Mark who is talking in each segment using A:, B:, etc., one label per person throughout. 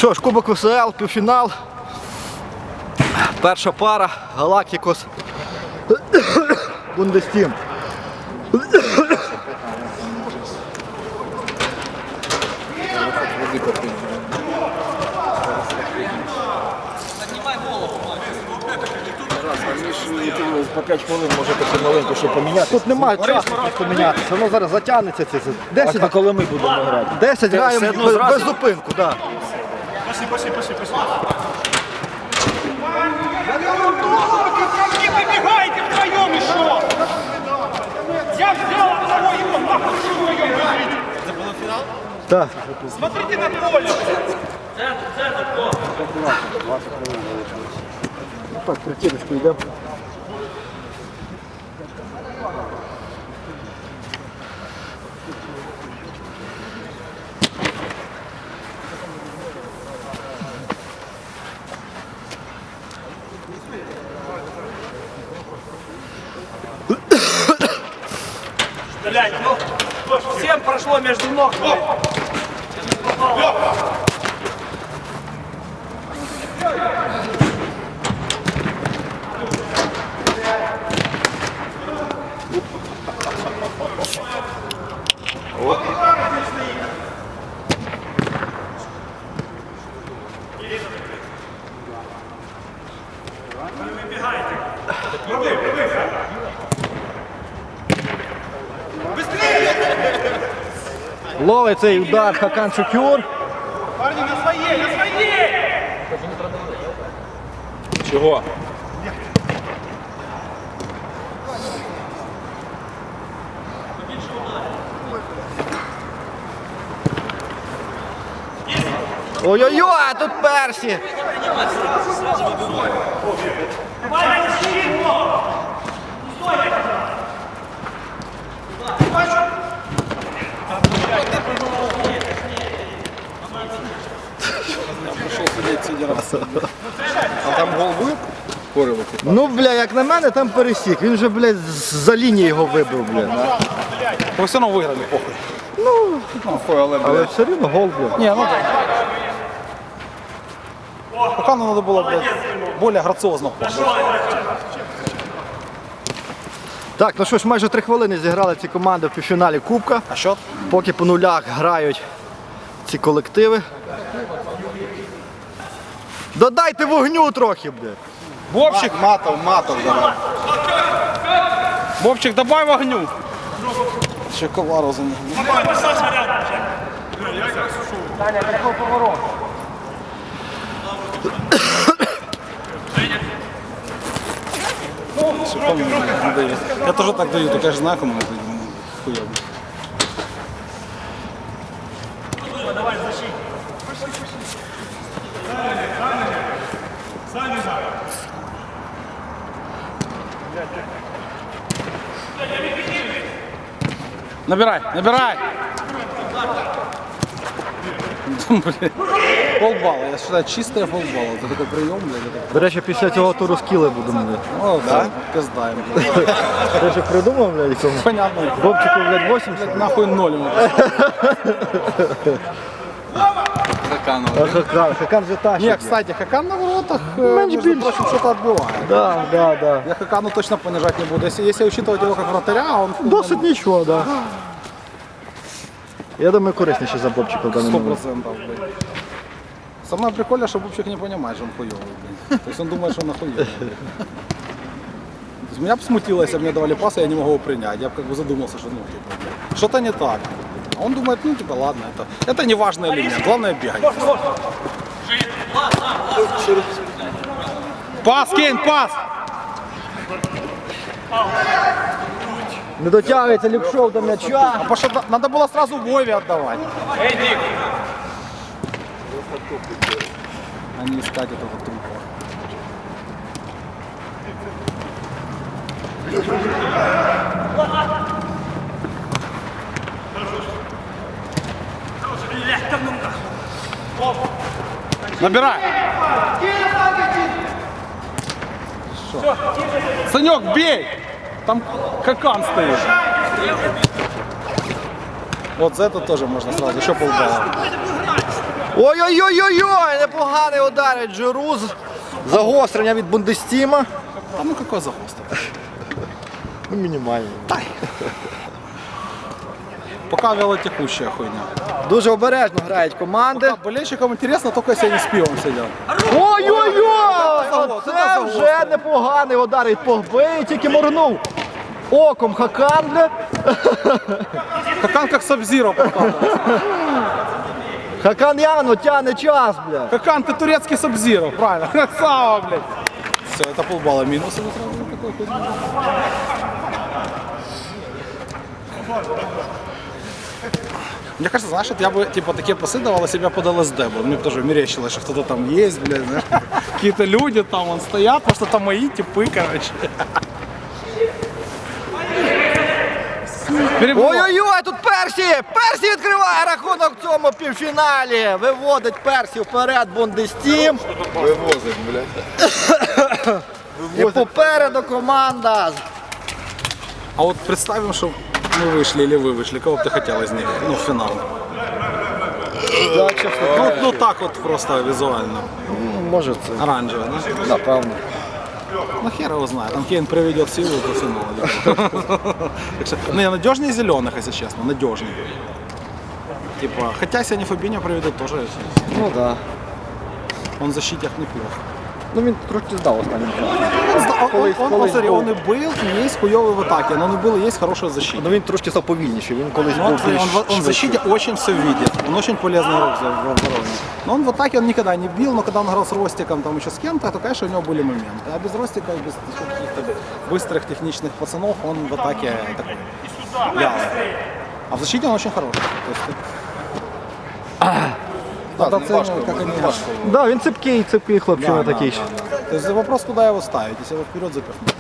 A: Що ж, Кубок ВСЛ, півфінал. Перша пара Галактикос Бундестім.
B: По 5 хвилин можете помаленьку ще поміняти.
A: Тут немає часу помінятися, воно зараз затягнеться. 10,
B: А коли ми будемо грати?
A: 10 граємо без зупинку. Да.
C: Пошли. Не выбегайте втроем еще! Я взял одного его, нахуй вдвоем бежите! Это был финал?
A: Так.
C: Смотрите на поле!
B: Так, притіночку йдемо.
C: Блядь, ну, всем прошло между ног.
A: Ловить цей удар Хакан Шукюр.
C: Парни, на своей, на своей!
B: Чого?
A: Ой-ой-ой, а тут Персі.
C: Давай, защити его! Стой!
B: А там гол буде? Корилити.
A: Ну, бля, як на мене, там пересік. Він же, блядь, за лінії його вибив, бля.
B: Ви все одно виграли, похуй. Похуй,
A: Але все рівно гол, бля.
B: Ні, ну так. Хакану треба було, блядь, більш граціозно.
A: Так, ну що ж, майже 3 хвилини зіграли ці команди в півфіналі Кубка.
B: А що?
A: Поки по нулях грають ці колективи. Додайте вогню трохи, бля.
B: Бобчик. Матов, давай. Бобчик, добавь вогню. Ще ковару за ним. Я тоже так даю, только я же знаю, кому это хуёво. Набирай! Блин. Полбалла, я считаю, чистая полбалла. Это такой прием, блядь.
A: До речі, після цього туру скіли будемо, блядь.
B: Ну, да? Пиздаем, блядь.
A: Ти ж придумав, блядь, якому?
B: Понятно.
A: Бобчику, блядь, 80?
B: Нахуй ноль ему. Хакану.
A: Хакан же тащить.
B: Не, кстати, Хакан на воротах,
A: Меньше
B: между
A: більше.
B: прочим, что-то отбивает.
A: Да.
B: Я Хакану точно понижать не буду. Если учитывать его как вратаря, он...
A: Досить нічого, да. Я думаю, корисніше за Бобчика в даному
B: 100%,
A: моменті.
B: блядь. Самое прикольное, что Бубчик не понимает, что он хуёвый, блядь. То есть он думает, что он охуенный. То есть меня бы смутило, если бы мне давали пас, и я не могу его принять. Я бы как бы задумался, что ну, типа, блядь, что-то не так. А он думает, ну типа ладно, это не важный элемент, главное бегать. Пас, Кейн, пас!
A: Не дотягується Ліпшов до м'яча.
B: А потому что надо было сразу Вове отдавать. А не искать этого трупа. Набирай! Что? Санек, бей! Там Хакан стоит. Вот за это тоже можно сразу, еще полбалла.
A: Ой-ой-ой-ой-ой! Непоганий ударить Джируз. Загострення від Бундестіма.
B: А ну какой загострый?
A: Ну, мінімальний.
B: Пока вялотекущая хуйня.
A: Дуже обережно грають команди.
B: А болельщикам интересно, только если они с пивом сидят.
A: Ой-ой-ой!
B: Це
A: Оце вже непоганий удар від Погби. Тільки моргнув оком Хакан, бля.
B: Хакан как Сабзиро покатывается.
A: Хакан явно тягне час, бля.
B: Хакан, ты турецкий Сабзиро, правильно. Красава, блядь. Все, это полбалла минуса. Мне кажется, знаешь, вот я бы типа такие пасы давал, а себя под ЛСД был. Мне бы тоже мерещилось, что кто-то там есть, блядь, знаешь. Какие-то люди там вон стоят, просто там мои типы, короче.
A: Ой-ой-ой, тут Персі! Персі відкриває рахунок в цьому півфіналі. Виводить Персі вперед Бундестім.
D: Вивозить, блядь.
A: І попереду команда.
B: А вот представим, что мы вышли или вы вышли, кого бы ты хотел из них, ну, в финал?
A: Да, чесно.
B: Ну так вот просто визуально.
A: Може це.
B: Оранжевый, да?
A: Напевно.
B: Ну хер его знает, там Кейн приведет силу до финала. Так что, ну я надежнее зеленых, если честно, надежнее. Типа, хотя если они Фабинho приведут, тоже
A: Ну да.
B: он в защите неплох.
A: Ну він трохи здав останнім часом.
B: Смотри, он и был, и есть хуёвый в атаке, но он и был, и есть хорошая защита.
A: Ну він трошки став повільніший, він колись
B: Но
A: був більш
B: он в защите очень все видит, он очень полезный игрок за оборону. Но он в атаке он никогда не бил, но когда он играл с Ростиком, там еще с кем-то, то, конечно, у него были моменты. А без Ростика, без каких-то быстрых техничных пацанов, он в атаке такой вялый. А в защите он очень хороший. То есть, надо оценивать, как они играют.
A: Да, він цепкий хлопчина такий.
B: Да. То есть вопрос, куда его ставить, если его вперед запихнуть.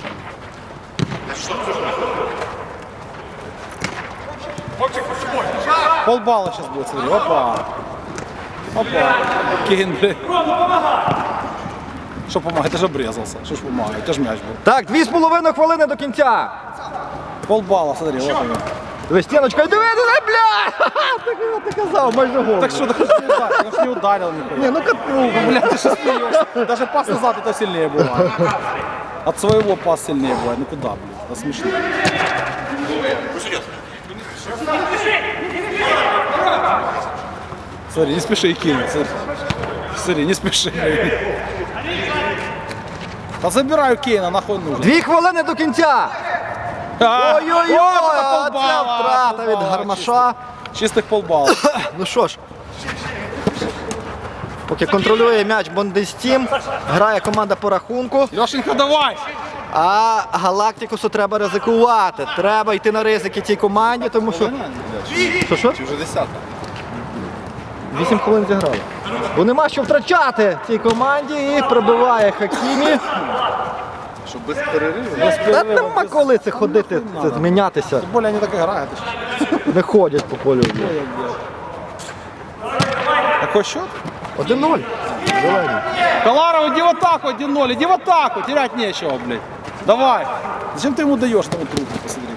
B: Полбалла сейчас будет, смотри. Опа. Опа. Кейн, блядь. Что помогает? Ты же обрезался. Что ж помогает? Это же мяч был.
A: Так, 2,5 хвилини до кінця.
B: Полбалла, смотри, вот он.
A: Диви, стіночка, диви, бля! Ти казав, майже гол.
B: Так что, он ж не ударил никуда.
A: Ні, ну катнув.
B: Блядь, ты что смеешься? Даже пас назад это сильнее бывает. От своего пас сильнее бывает. Ну куда, блядь? Это смешно. Смотри, не спеши и кинуть. Смотри, не спеши. Да забираю Кейна, нахуй нужен.
A: 2 хвилини до кінця. Ой-ой-ой,
B: Вот это
A: оце втрата від Гармаша.
B: Чистых полбаллов.
A: Ну що ж, поки контролює м'яч Бундестім, грає команда по рахунку,
B: Лешенька, давай!
A: а Галактикусу треба ризикувати. Треба йти на ризики цій команді, тому що... Що?
D: Чи вже 10-та?
A: 8 хвилин зіграли. Бо нема що втрачати цій команді і пробиває Хакімі.
D: Щоб без перериву.
A: Та нема коли це ходити, це змінятися.
B: Тем более они так играют.
A: Не ходять по полю.
B: Какой счет?
A: 1-0. Зелені.
B: Каларов, иди в атаку 1-0, иди в атаку, терять нечего, блядь. Давай. Зачем ты ему даешь тому трубку, посмотри.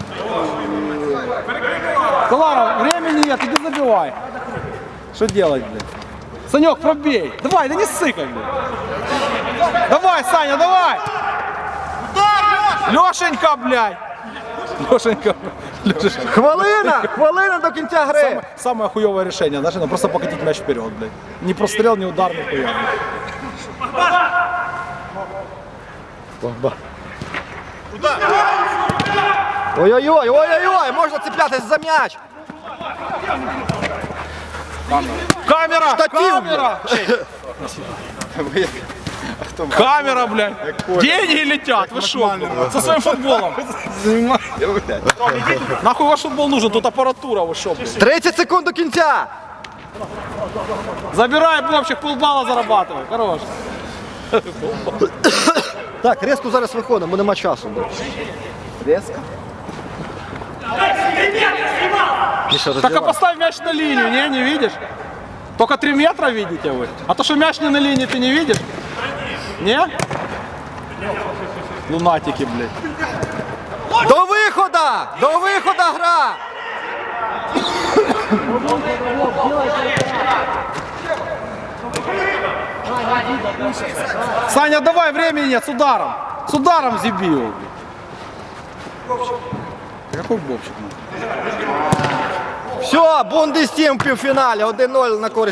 B: Каларов, времени нет, иди забивай. Что делать, блядь? Санек, пробей. Давай, да не ссыкай, блядь. Давай, Саня, давай. Лешенька, блядь. Лешенька.
A: Хвилина до кінця гри.
B: Самое хуевое решение, знаешь, это просто покатить мяч вперед, блядь. Ни прострел, ни удар, ни хуя.
A: Ой-ой-ой, ой-ой-ой, можна цеплятись за м'яч.
B: Камера!
A: Штатив,
B: Камера! Камера, блядь! Деньги летят, вы шо? Со своим футболом. Нахуй ваш футбол нужен, тут аппаратура, вы шо, блядь?
A: 30 секунд до кінця.
B: Забирай, Бобчик, полбалла зарабатывай. Хорош.
A: Так, резко зараз виходимо, бо нема часу.
D: Резко?
B: Так а поставь мяч на линию, не видишь? Только 3 метра видите вы. А то, что мяч не на линии, ты не видишь? Не? Лунатики, блядь.
A: До виходу! До виходу гра!
B: Саня, давай, времени нет, с ударом. С ударом забил. Какой бобчик?
A: Все, Бундестім в півфіналі. 1-0 на користь